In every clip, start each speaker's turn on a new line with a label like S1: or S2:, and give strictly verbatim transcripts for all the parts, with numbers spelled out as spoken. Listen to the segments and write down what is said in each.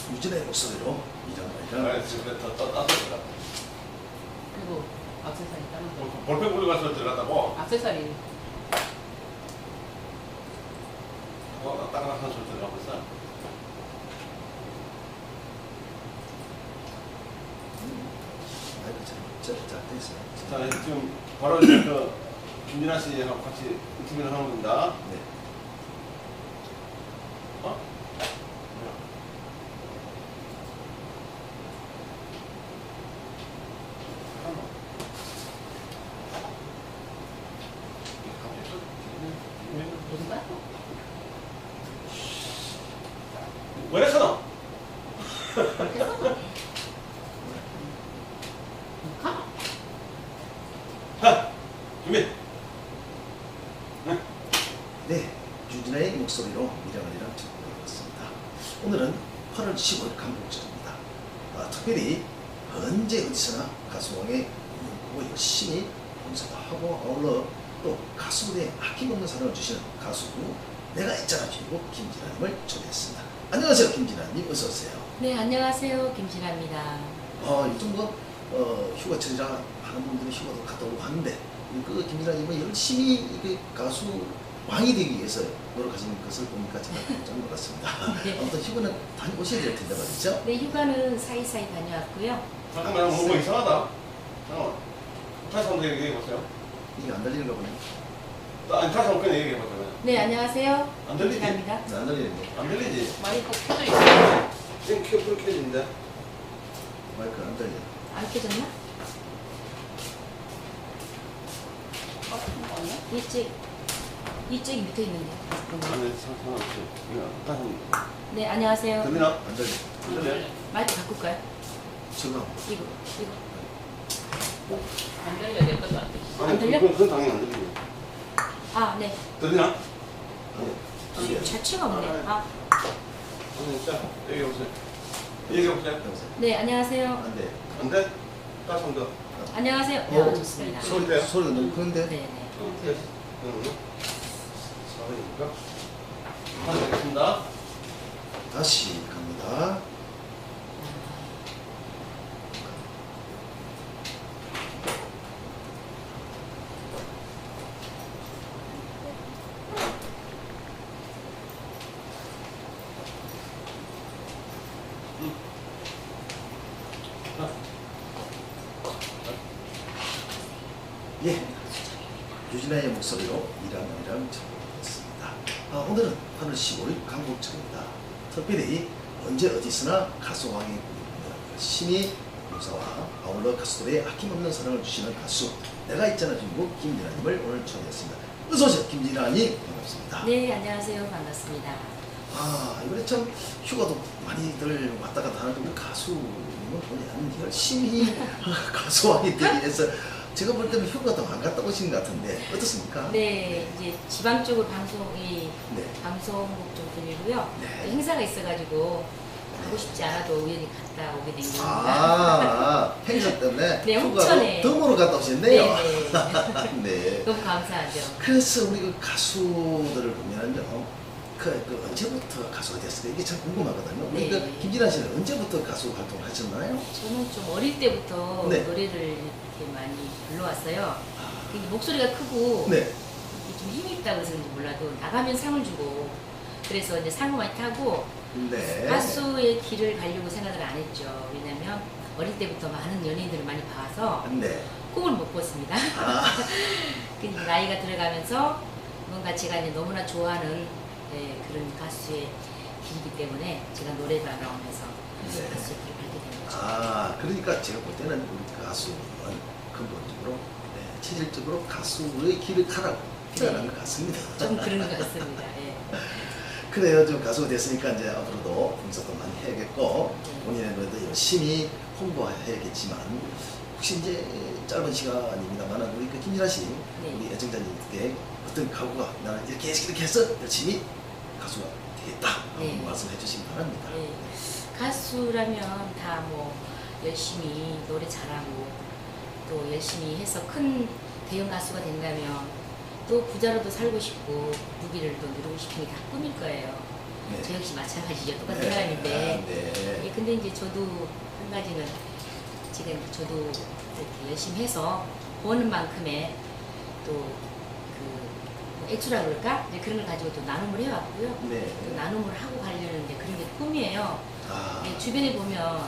S1: 유진의 목소리로 이장관이랑
S2: 아, 지금 더 따뜻하다.
S3: 그리고 액세서리 따로
S2: 볼펜 굴리고 가서 들어갔다고?
S3: 액세서리
S2: 어, 나 다른 한 소리 들어가고 있어.
S1: 마이크 잘잘돼 있어요.
S2: 자, 지금 바로 이제 그 김진아 씨하고 같이 인터뷰를 하는 겁니다.
S1: 네.
S2: 어?
S3: 누가?
S2: 왜 그랬어?
S3: 그렇게 써봐. 가.
S2: 자, 준비.
S1: 네, 유진의 목소리로 미장원이랑 전해드렸습니다. 오늘은 팔월 십오일 강북절입니다. 아, 특별히 언제 어디서나 가수왕의 보고 열심히 봉사도 하고 아울러 또 가수들의 아낌없는 사랑을 주시는 가수 내가 있잖아 주인공 김진아님을 초대했습니다. 안녕하세요, 김진아님 어서 오세요.
S4: 네, 안녕하세요. 김진아입니다.
S1: 아, 요즘 뭐 어, 휴가철이라 하는 분들이 휴가도 갔다 오고 하는데 그 김진아님은 열심히 이 가수 왕이 되기 위해서 노력하시는 것을 보니까 제가 깜짝 놀랐습니다.
S4: 네.
S1: 아무튼 휴가는 다녀오셔야 될 텐데 말이죠.
S4: 네, 휴가는 사이사이 다녀왔고요.
S2: 잠깐만, 뭐, 뭐 이상하다. 잠깐만. 다시 한번 얘기해보세요.
S1: 이게 안 들리는가 보네.
S2: 아니, 다시 한번 그냥 얘기해보세요.
S4: 네, 안녕하세요.
S2: 안 들리지?
S4: 김진아입니다.
S1: 네, 안 들리는데.
S2: 안 들리지?
S3: 마이크 켜져 있어.
S2: 지금 켜, 불 켜진데.
S1: 마이크 안 들려.
S4: 안 켜졌나?
S3: 어, 그거 아니야?
S4: 이쪽, 이쪽이 밑에 있는데.
S2: 아니, 상관없지. 그냥 다시 한번.
S4: 네, 안녕하세요.
S2: 들리나?
S1: 안 들려.
S2: 안 들려?
S4: 마이크 바꿀까요?
S1: 지금
S4: 이거, 이거.
S3: 안 들려, 내 것도 안 들려.
S2: 아니,
S4: 안 들려?
S2: 그건, 그건 당연히 안 들리지.
S4: 아, 네.
S2: 들리나?
S1: 아니, 들려요.
S4: 자취가 없네. 아,
S2: 아니, 자, 얘기해보세요. 얘기해보세요.
S1: 여보세요?
S4: 네, 안녕하세요.
S1: 안 돼.
S2: 안 돼? 다시 한 번 더.
S4: 안녕하세요.
S1: 어,
S4: 네, 좋습니다.
S2: 소리 돼요?
S1: 소리가 너무 큰데?
S4: 네, 네.
S2: 어, 됐어. 응, 응. 사회니까. 하겠습니다.
S1: 다시 갑니다. 예, 유진아의 목소리로 이랑이랑 전해드렸습니다. 아, 오늘은 팔월 십오일 강북철입니다. 특별히 언제 어디서나 가수왕의 꿈을 열심히 봉사와 아울러 가수들의 아낌없는 사랑을 주시는 가수 내가 있잖아 주인공 김진아님을 오늘 초대했습니다. 어서오세요, 김진아님. 반갑습니다.
S4: 네, 안녕하세요. 반갑습니다.
S1: 아, 이번에 참 휴가도 많이들 왔다 갔다 하는데 우리 가수님은 보면 열심히 가수왕이 되기 위해서 제가 볼 때는 휴가도 안 갔다 오신 것 같은데 어떻습니까?
S4: 네, 이제 지방 쪽으로 방송이,
S1: 네.
S4: 방송국 좀 들리고요.
S1: 네.
S4: 행사가 있어가지고 가고 싶지 않아도 우연히 갔다 오게 된 겁니다.
S1: 아, 행사 때문에
S4: 네,
S1: 휴가로
S4: 홍천에.
S1: 덤으로 갔다 오셨네요.
S4: 네,
S1: 네.
S4: 너무 감사하죠.
S1: 그래서 우리 그 가수들을 보면요, 그, 그 언제부터 가수가 됐을까 이게 참 궁금하거든요. 우리
S4: 네.
S1: 그 김진아 씨는 언제부터 가수 활동을 하셨나요?
S4: 저는 좀 어릴 때부터
S1: 네.
S4: 노래를 이렇게 많이 불러왔어요.
S1: 아,
S4: 근데 목소리가 크고
S1: 네.
S4: 좀 힘이 있다고 그러는지 몰라도 나가면 상을 주고 그래서 이제 상을 많이 타고
S1: 네.
S4: 가수의 길을 가려고 생각을 안 했죠. 왜냐면 어릴 때부터 많은 연예인들을 많이 봐서
S1: 네.
S4: 꿈을 못 꿨습니다.
S1: 아,
S4: 근데 나이가 들어가면서 뭔가 제가 이제 너무나 좋아하는 네, 그런 가수의 길이기 때문에 제가 노래가 나오면서
S1: 네.
S4: 가수의 길을 가게 된 거죠.
S1: 아, 그러니까 제가 볼 때는 우리 가수는 근본적으로, 네, 체질적으로 가수의 길을 가라고 태어난 것 같습니다.
S4: 좀 그런 것 같습니다. 예.
S1: 그래요. 좀 가수가 됐으니까 이제 앞으로도 봉사도 많이 해야겠고
S4: 네.
S1: 본인의 노래도 열심히 홍보해야겠지만 혹시 이제 짧은 시간입니다만 우리 그 김진아 씨,
S4: 네.
S1: 우리 애청자님께 어떤 각오가 나는 이렇게 해서 이렇게 해서 열심히 가수가 되겠다
S4: 네.
S1: 말씀해 주시기 바랍니다.
S4: 예. 가수라면 다 뭐 열심히 노래 잘하고 또 열심히 해서 큰 대형 가수가 된다면 또 부자로도 살고 싶고 무기를 또 누리고 싶은 게 다 꿈일 거예요.
S1: 네.
S4: 저 역시 마찬가지죠. 똑같은
S1: 네.
S4: 사람인데
S1: 아, 네.
S4: 근데 이제 저도 한 가지는 제가 이제 저도 이렇게 열심히 해서 버는 만큼의 또그 액수라 그럴까? 이제 그런 걸 가지고 또 나눔을 해왔고요.
S1: 네.
S4: 또 나눔을 하고 가려는 이제 그런 게 꿈이에요.
S1: 아,
S4: 예, 주변에 보면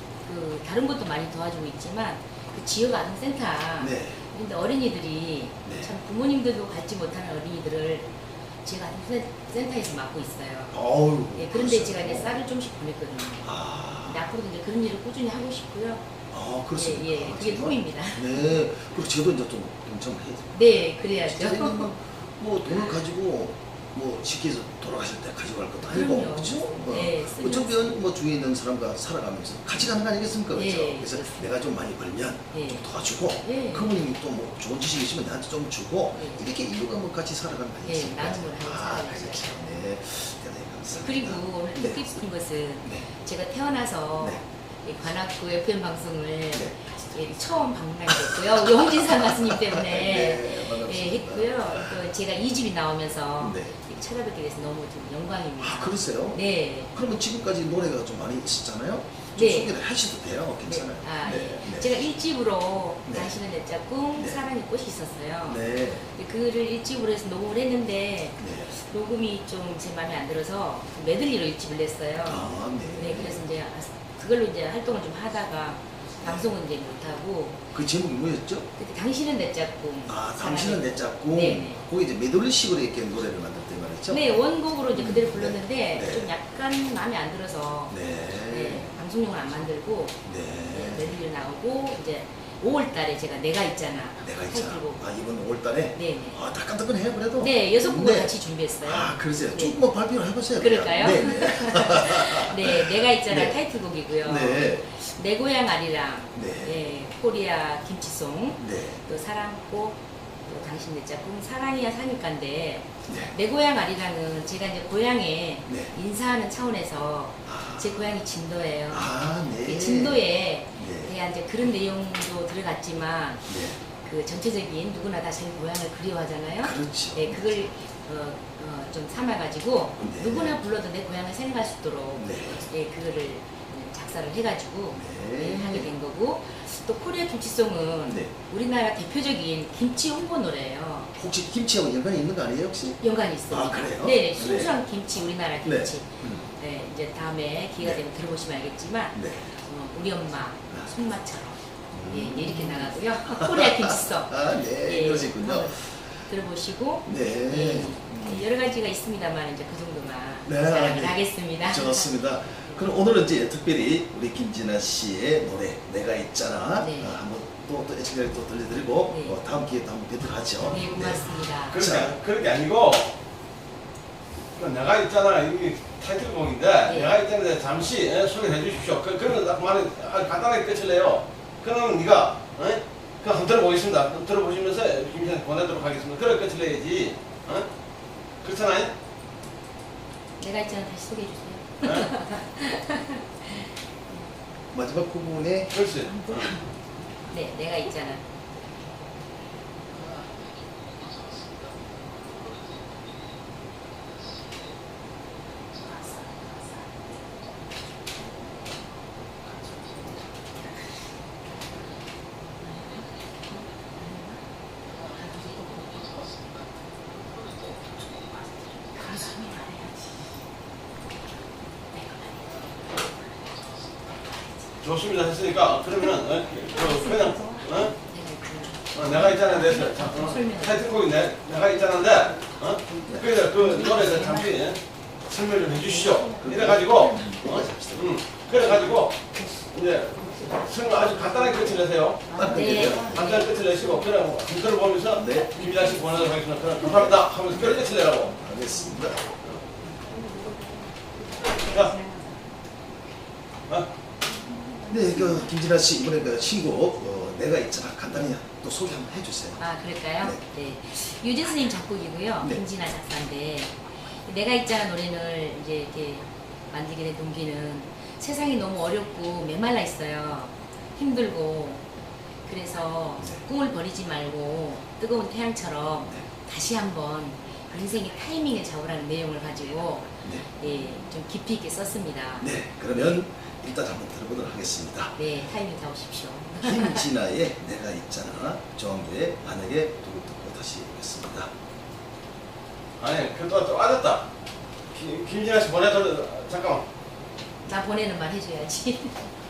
S4: 그 다른 것도 많이 도와주고 있지만 그 지역 아동센터
S1: 네.
S4: 근데 어린이들이
S1: 네.
S4: 참 부모님들도 갖지 못하는 어린이들을 지역 아동센터에서 맡고 있어요.
S1: 어우.
S4: 예, 그런데
S1: 그러시구나.
S4: 제가 이제 쌀을 좀씩 보냈거든요.
S1: 아,
S4: 근데 앞으로도 이제 그런 일을 꾸준히 하고 싶고요.
S1: 아 그렇습니다.
S4: 예, 예, 그게
S1: 정말.
S4: 꿈입니다.
S1: 네. 그리고 저도 이제 좀 동참을 해야죠.
S4: 네, 그래야죠.
S1: 저희는 뭐 돈을 가지고 뭐 쉽게 해서 돌아가실 때 가지고 갈 것도 아니고
S4: 그럼요.
S1: 그렇죠? 뭐
S4: 네, 쓰면서.
S1: 어차피 뭐 주위에 있는 사람과 살아가면서 같이 가는 거 아니겠습니까? 그렇죠?
S4: 예,
S1: 그래서
S4: 그렇습니다.
S1: 내가 좀 많이 벌면
S4: 예.
S1: 좀 도와주고
S4: 예.
S1: 그분이 또 뭐 좋은 지식이 있으면 나한테 좀 주고
S4: 예.
S1: 이렇게 인류가 뭐 같이 살아가는 거
S4: 예,
S1: 아니겠습니까?
S4: 나눔을 하는
S1: 아,
S4: 사람이죠.
S1: 그렇죠. 네. 대단히 감사합니다.
S4: 그리고 오늘
S1: 네.
S4: 듣고 싶은 것은
S1: 네.
S4: 제가 태어나서
S1: 네.
S4: 이 관악구 에프엠 방송을
S1: 네.
S4: 예, 처음 방문하게 됐고요. 우리 홍진상 가수님 때문에
S1: 네,
S4: 예,
S1: 반갑습니다.
S4: 했고요. 또 제가 이 집이 나오면서
S1: 네.
S4: 이렇게 찾아뵙게 돼서 너무 좀 영광입니다.
S1: 아, 그러세요?
S4: 네.
S1: 그러면 지금까지 노래가 좀 많이 있었잖아요? 좀
S4: 네.
S1: 소개를 하셔도 돼요. 괜찮아요.
S4: 네. 아,
S1: 네.
S4: 예.
S1: 네.
S4: 제가 일 집으로
S1: 네.
S4: 당신은 내 짝꿍,
S1: 네.
S4: 사랑의 꽃이 있었어요.
S1: 네.
S4: 근데 그를 일 집으로 해서 녹음을 했는데
S1: 네.
S4: 녹음이 좀 제 마음에 안 들어서 메들리로 일 집을 냈어요.
S1: 아, 네.
S4: 네, 그래서 이제 그걸로 이제 활동을 좀 하다가 방송은 이제 못하고
S1: 그 제목이 뭐였죠?
S4: 그때 당신은 내 짝꿍.
S1: 아,
S4: 사랑의
S1: 당신은 내 짝꿍.
S4: 네네.
S1: 거기 이제 메들리식으로 이렇게 노래를 만들었단 말이죠?
S4: 네, 원곡으로 이제 그대로
S1: 네.
S4: 불렀는데
S1: 네.
S4: 좀 약간 마음에 안 들어서
S1: 네.
S4: 네, 방송용을 안 만들고 네,
S1: 네.
S4: 메들리로 나오고 이제 오월 달에 제가 내가 있잖아.
S1: 내가 있잖아.
S4: 타이틀곡.
S1: 아, 이번 오월 달에?
S4: 네네.
S1: 아, 따끈따끈해요, 그래도?
S4: 네, 여섯 곡을
S1: 네.
S4: 같이 준비했어요.
S1: 아, 그러세요.
S4: 네.
S1: 조금 뭐 발표를 해보세요.
S4: 그럴까요?
S1: 네, 네.
S4: 네, 내가 있잖아
S1: 네.
S4: 타이틀곡이고요.
S1: 네.
S4: 내 고향 아리랑,
S1: 네.
S4: 예, 코리아 김치송,
S1: 네.
S4: 또 사랑꽃, 또 당신 내 짝꿍, 사랑이야 사니까인데
S1: 네.
S4: 내 고향 아리랑은 제가 이제 고향에
S1: 네.
S4: 인사하는 차원에서
S1: 아,
S4: 제 고향이 진도예요.
S1: 아, 네.
S4: 그 진도에
S1: 네.
S4: 대한 이제 그런 내용도 들어갔지만
S1: 네.
S4: 그 전체적인 누구나 다 자기 고향을 그리워하잖아요.
S1: 그렇죠.
S4: 네, 그걸 어, 어, 좀 삼아가지고
S1: 네.
S4: 누구나 불러도 내 고향을 생각할 수 있도록
S1: 네.
S4: 예, 그거를 작사를 해가지고
S1: 네.
S4: 예, 하게 된 거고 또 코리아 김치송은
S1: 네.
S4: 우리나라 대표적인 김치 홍보 노래예요.
S1: 혹시 김치하고 연관이 있는 거 아니에요, 혹시?
S4: 연관이 있습니다.
S1: 아, 그래요?
S4: 네, 순수한 김치, 우리나라
S1: 네.
S4: 김치.
S1: 음.
S4: 네, 이제 다음에 기회가
S1: 네.
S4: 되면 들어보시면 알겠지만
S1: 네.
S4: 어, 우리 엄마 손맛처럼
S1: 음.
S4: 예, 이렇게 나가고요. 코리아 김치송.
S1: 아, 네.
S4: 예,
S1: 그러시군요.
S4: 한번 들어보시고
S1: 네.
S4: 예,
S1: 음.
S4: 여러 가지가 있습니다만 이제 그 정도만
S1: 네,
S4: 자랑을
S1: 네.
S4: 하겠습니다.
S1: 좋습니다. 그럼 오늘은 이제 특별히 우리 김진아 씨의 노래 내가 있잖아
S4: 네.
S1: 아, 한번 또, 또 애청자를 또 들려드리고
S4: 네.
S1: 어, 다음 기회에 또 한번 뵙도록 하죠.
S4: 네, 고맙습니다.
S2: 그렇게,
S1: 자.
S2: 그런 게 아니고 그 내가 있잖아 이게 타이틀곡인데
S4: 네.
S2: 내가 있잖아 잠시 예, 소개해 주십시오. 그, 그러면 딱 말을 아, 간단하게 끝을 내요. 그러면 네가 예? 그 한번 들어보겠습니다. 한번 들어보시면서 김씨한테 보내도록 하겠습니다. 그래 끝을 내야지. 어? 그렇잖아요?
S4: 내가 있잖아 다시 소개해 주세요.
S2: 예?
S1: 마지막 부분에
S2: 그렇지.
S4: 네, 내가 있잖아.
S2: 좋습니다. 했으니까 그러면 어? 그, 그냥 어?
S4: 내가 있잖아.
S2: 어, 내가 있잖아 내서 자, 어, 타이틀곡이 내, 내가 있잖아데 어? 그래서 그 노래 대해서 잠시 예? 설명 좀 해주시죠. 이래가지고 어? 음, 그래가지고 이제 설명 아주 간단하게 끝을 내세요.
S1: 딱
S4: 네.
S1: 끝내죠.
S2: 간단하게 끝을 내시고 그냥 한글을 보면서
S1: 네.
S2: 김기자 씨 보내도록 하겠습니다. 그럼 감사합니다 하면서 그렇게 끝을 내라고.
S1: 알겠습니다.
S2: 자, 어?
S1: 네, 그 김진아 씨 이번에 그 신곡 어, 내가 있잖아 간단히 또 소개 한번 해주세요.
S4: 아, 그럴까요? 네. 유진 스님 작곡이고요.
S1: 네.
S4: 김진아 작사인데 내가 있잖아 노래를 이제 이렇게 만들게 된 동기는 세상이 너무 어렵고 메말라 있어요. 힘들고 그래서
S1: 네.
S4: 꿈을 버리지 말고 뜨거운 태양처럼
S1: 네.
S4: 다시 한번 인생의 타이밍을 잡으라는 내용을 가지고
S1: 네.
S4: 예, 좀 깊이 있게 썼습니다.
S1: 네, 그러면 일단 한번 들어보도록 하겠습니다.
S4: 네, 타이밍 잡으십시오.
S1: 김진아의 내가 있잖아, 조항조의 만약에 두고 듣고 다시 오겠습니다.
S2: 아니 그또 또 빠졌다. 김- 김진아 씨 보내줘. 잠깐만.
S4: 나 보내는 말 해줘야지.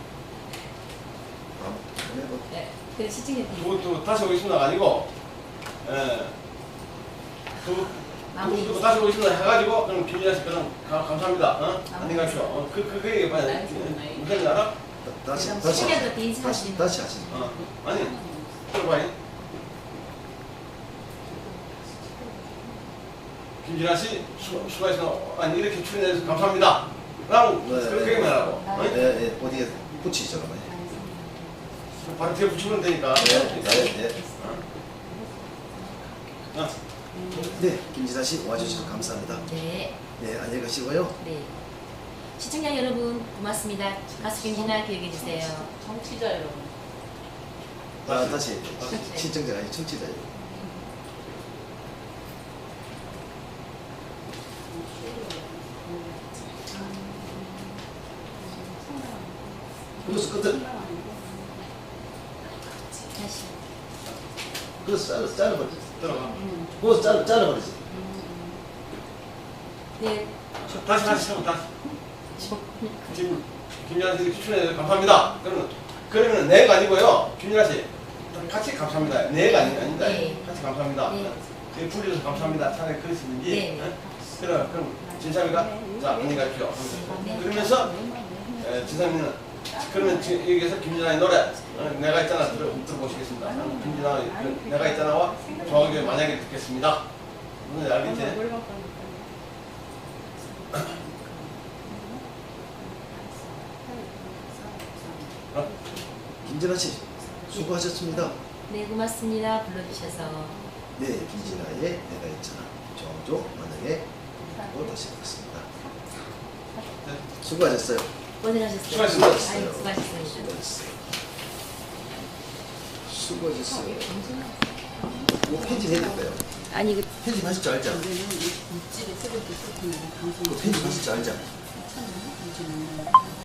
S1: 아, 보내고
S4: 네, 그래 시청자님
S2: 또, 또 다시 오겠습니다가 아니고, 예. 또, 또,
S4: 마무리.
S2: 또 다시 오겠습니다 해가지고 그럼 김진아 씨 그럼 가- 감사합니다. 어?
S4: 마무리.
S2: 안녕히 가십시오. 어, 그, 그, 그 얘기 봐야 돼.
S3: 알겠습니다.
S2: 무슨 일 알아?
S1: 다- 다시
S4: 그럼
S1: 다시
S4: 시청자들한테
S1: 다시
S4: 인사하시는
S1: 다시 하시죠.
S2: 어. 아니, 들어봐요. 김진아 씨, 수, 수고하시고, 아니, 이렇게 출연해주셔서 감사합니다. 라고,
S1: 네,
S2: 그렇게
S1: 네.
S2: 얘기하라고. 어?
S1: 예, 예, 어디에 붙이죠, 그러면.
S2: 바로 뒤에 붙이면 되니까.
S1: 네, 네, 네.
S2: 어? 어.
S1: 네, 김진아 씨 와주셔서 감사합니다.
S4: 네,
S1: 네, 안녕히 가시고요.
S4: 네. 시청자 여러분 고맙습니다. 가수 김진아 기억해 주세요.
S3: 정치자 여러분.
S1: 아, 다시
S4: 네.
S1: 신청자가 아니고 청취자예요. 그래서 끝을
S4: 다시.
S1: 그래서 잘라 잘라버리지.
S2: 들어가.
S1: 그래서 잘라 잘라버리지.
S4: 네,
S2: 다시, 다시, 다시. 다시. 김, 김진아 씨 이렇게 출연해주셔서 감사합니다. 그러면, 그러면 내가 아니고요. 김진아 씨. 같이 감사합니다. 내가 아니, 아닙니다.
S4: 네.
S2: 같이 감사합니다.
S4: 네.
S2: 그 불러줘서 감사합니다. 차라리 그러시는지.
S4: 네.
S2: 어? 그럼, 그럼, 진삼이가? 자, 안녕히 가십시오.
S4: 네.
S2: 그러면서, 에, 진삼이는, 그러면 지- 여기서 김진아의 노래, 어, 내가 있잖아, 들어, 들어보시겠습니다. 어, 김진아, 그, 내가 있잖아와 정확하게 만약에 듣겠습니다. 오늘 알겠지? 어?
S1: 김진아 씨 수고하셨습니다.
S4: 네 고맙습니다. 불러주셔서.
S1: 네, 김진아의 내가 있잖아. 정조 만약에 듣고 다시 오겠습니다. 수고하셨어요.
S4: 고생하셨어요.
S2: 수고하셨습니다.
S4: 아유, 수고하셨습니다.
S1: 수고하셨어요. 수고하셨어요. 뭐 편집해야 될까요?
S4: 아니 그
S1: 편집하실 줄 알죠?
S3: 입질에 쓰고 있을 텐데
S1: 그 편집하실 줄 알죠?